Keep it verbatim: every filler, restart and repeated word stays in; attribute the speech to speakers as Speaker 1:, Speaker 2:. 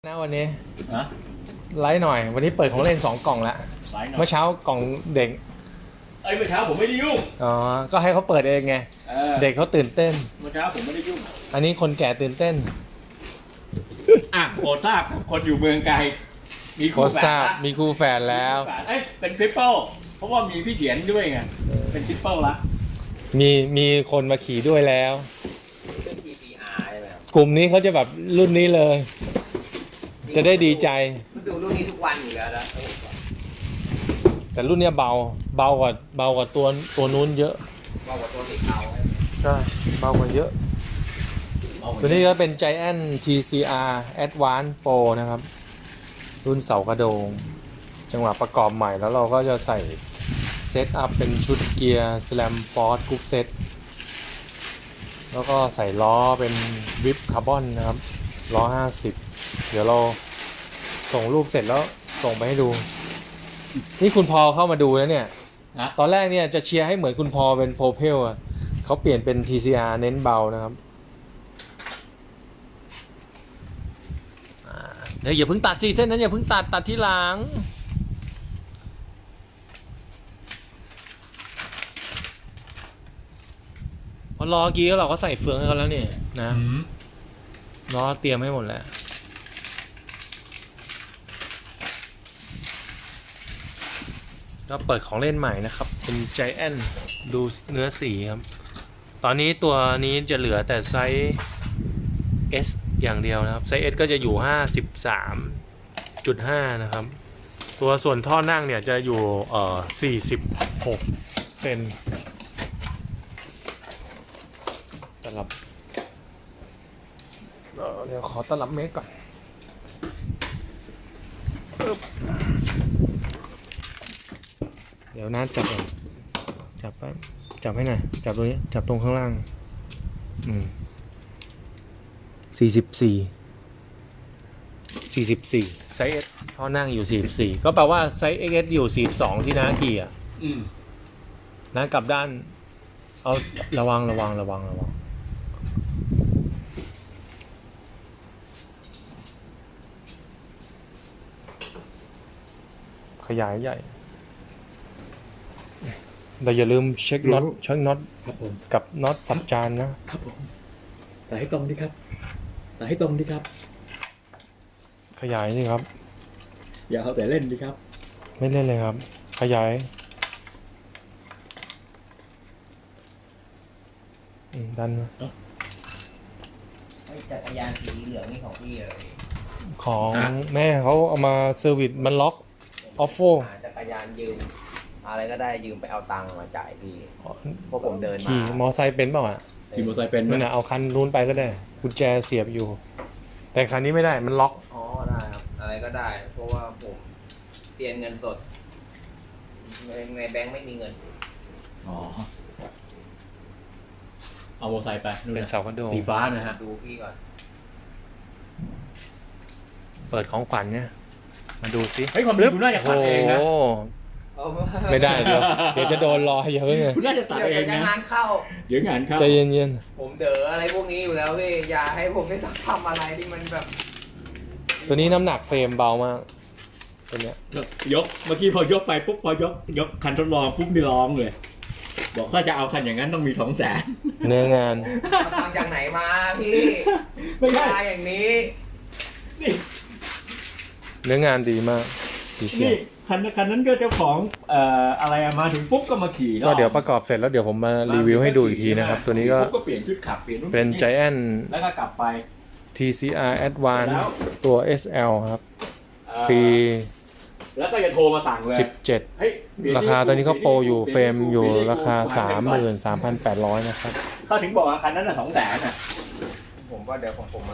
Speaker 1: นะวันนี้
Speaker 2: นะ
Speaker 1: ไลฟ์หน่อยวันนี้เปิดของเล่นสองกล่องละเมื่อเช้ากล่องเด็ก
Speaker 2: เอ้ยเมื่อเช้าผมไม่ได้ยุ่ง
Speaker 1: อ๋อก็ให้เขาเปิดเองไงเ, เด็กเขาตื่นเต้น
Speaker 2: เมื่อเช้าผมไม่ได้ยุ่ง
Speaker 1: อันนี้คนแก่ตื่นเต้น
Speaker 2: อ่ะโปรดทราบคนอยู่เมืองไกลมีคู่แฝด
Speaker 1: มีคู่แฝดแล้ว
Speaker 2: เอ้ยเป็นทริปเปิลเพราะว่ามีพี่เขียนด้วยไงเป็นทริปเปิลละ
Speaker 1: มีมีคนมาขี่ด้วยแล้วกลุ่มนี้เขาจะแบบรุ่นนี้เลยจะได้ดีใจ
Speaker 3: ดูรุ่นนี้ทุกวันอยู่แล้วนะ
Speaker 1: แต่รุ่นนี้เบาเบากว่าเบากว่าตัวตัวนู้นเยอะ
Speaker 3: เบากว่าตัวติดเอา
Speaker 1: ใช่เบากว่าเยอะตัวนี้ก็เป็น Giant ที ซี อาร์ Advanced Pro นะครับรุ่นเสากระโดงจังหวะประกอบใหม่แล้วเราก็จะใส่เซตอัพเป็นชุดเกียร์ Slam Force Group Set แล้วก็ใส่ล้อเป็นวิปคาร์บอนนะครับล้อห้าสิบเดี๋ยวเราส่งรูปเสร็จแล้วส่งไปให้ดูนี่คุณพอเข้ามาดูแล้วเนี่ยตอนแรกเนี่ยจะเชียร์ให้เหมือนคุณพอเป็นโพเพลอ่ะเขาเปลี่ยนเป็น ที ซี อาร์ เน้นเบานะครับเดี๋ยวอย่าเพิ่งตัดสิเส้นนั้นอย่าเพิ่งตัดตัดที่หลังพอรอกี้เราก็ใส่เฟืองให้เขาแล้วนี่นะล้อเตรียมให้หมดแล้วก็เปิดของเล่นใหม่นะครับเป็น Giant ดูเนื้อสีครับตอนนี้ตัวนี้จะเหลือแต่ไซส์ S อย่างเดียวนะครับไซส์ S ก็จะอยู่ ห้าสิบสามจุดห้า นะครับตัวส่วนท่อนั่งเนี่ยจะอยู่เอ่อสี่สิบหกเซนตลับเดี๋ยวขอตลับเมตรก่อนเดี๋ยวนัดจับก่อนจับไปจับให้หน่อยจับตรงนี้จับตรงข้างล่างอืมสี่สิบสี่สี่สิบสี่ไซส์ S ท่อนั่งอยู่สี่สิบสี่ก็แปลว่าไซส์ เอ็กซ์ เอส อยู่สี่สิบสองที่น้าขี่อ่ะอืมน้ากลับด้านเอาระวังระวังระวังระวังขยายใหญ่เราอย่าลืมเช็คน็อตเช็คน็อตกับน็อตสับจานนะครับ
Speaker 2: ผมแต่ให้ตรงดิครับแต่ให้ตรงดิครับ
Speaker 1: ขยายนี่ครับ
Speaker 2: อย่าเอาแต่เล่นดิครับ
Speaker 1: ไม่เล่นเลยครับขยายดันมา
Speaker 3: จักรยานสีเหลืองนี่ของพี่เลย
Speaker 1: ของแม่เขาเอามาเซอร์วิสมันล็อกออฟโฟ
Speaker 3: จักรยานยืมอะไรก็ได้ยืมไปเอาตังค์มาจ่ายพี่เพราะผมเดินมา
Speaker 1: ขี่มอไซค์เป็นเปล่าอ่ะ
Speaker 2: ขี่มอไซค์เป็น
Speaker 1: นั่นน่ะเอาคันนู้นไปก็ได้กุญแจเสียบอยู่แต่คันนี้ไม่ได้มันล็อก
Speaker 3: อ๋อได้ครับอะไรก็ได้เพราะว่าผมเตรียมเงินสดในแบงค์ไม่มีเงิน
Speaker 2: อ๋อเอามอไซค์ไป
Speaker 1: เป็นเสาคอนโด
Speaker 2: สีฟ้านะฮะ
Speaker 3: ดูพี่ก่อน
Speaker 1: เปิดของขวัญเนี่ยมาดูซิ
Speaker 2: เฮ้ยความลึกคุณน่าจะตัดเองนะ
Speaker 1: ไม่ได้เดี๋ยวเดี๋ยวจะโดนรอเยอะเลย
Speaker 2: คุณน่าจะตัดเองนะ
Speaker 3: งานเข้า
Speaker 2: เดี๋ยวงานเข้า
Speaker 1: ใจเย็น
Speaker 3: ๆผมเด๋ออะไรพวกนี้อยู่แล้วพี่อย่าให้ผมได้ต้องทำอะไรที่มันแบบ
Speaker 1: ตัวนี้น้ำหนักเฟรมเบามากตัวเนี้ย
Speaker 2: ยกเมื่อกี้พอยกไปปุ๊บพอยกยกคันทดลองปุ๊บนี่ร้องเลยบอกถ้าจะเอาคันอย่างนั้นต้องมีสองแสน
Speaker 1: เนื้องาน
Speaker 3: ทำจากไหนมาพี่ไม่ใช่อย่างนี้
Speaker 2: นี่
Speaker 1: เนื้องานดีมาก
Speaker 2: นี่คันคันนั้นก็เจ้าของเอ่ออะไรมาถึงปุ๊บก็มาขี่
Speaker 1: ก็เดี๋ยวประกอบเสร็จแล้วเดี๋ยวผมมารีวิวให้ดูอีกทีนะครับตัวนี้ก็
Speaker 2: เปลี่ยนชุดขับเปลี่ยน
Speaker 1: เป็น Giant
Speaker 2: แล้วก็กลับไป
Speaker 1: ที ซี อาร์ Advanced ตัว เอส แอล ครับปี
Speaker 2: แล้วก็จะโทรมาสั่งเลย
Speaker 1: สิบเจ็ดราคาตอนนี้ก็โปรอยู่เฟรมอยู่ราคา สามหมื่นสามพันแปดร้อย นะครับ
Speaker 2: เขาถึงบอกว่าคันนั้นน่ะสองแสนน่ะ
Speaker 3: ผมว่าเดี๋ยวของผม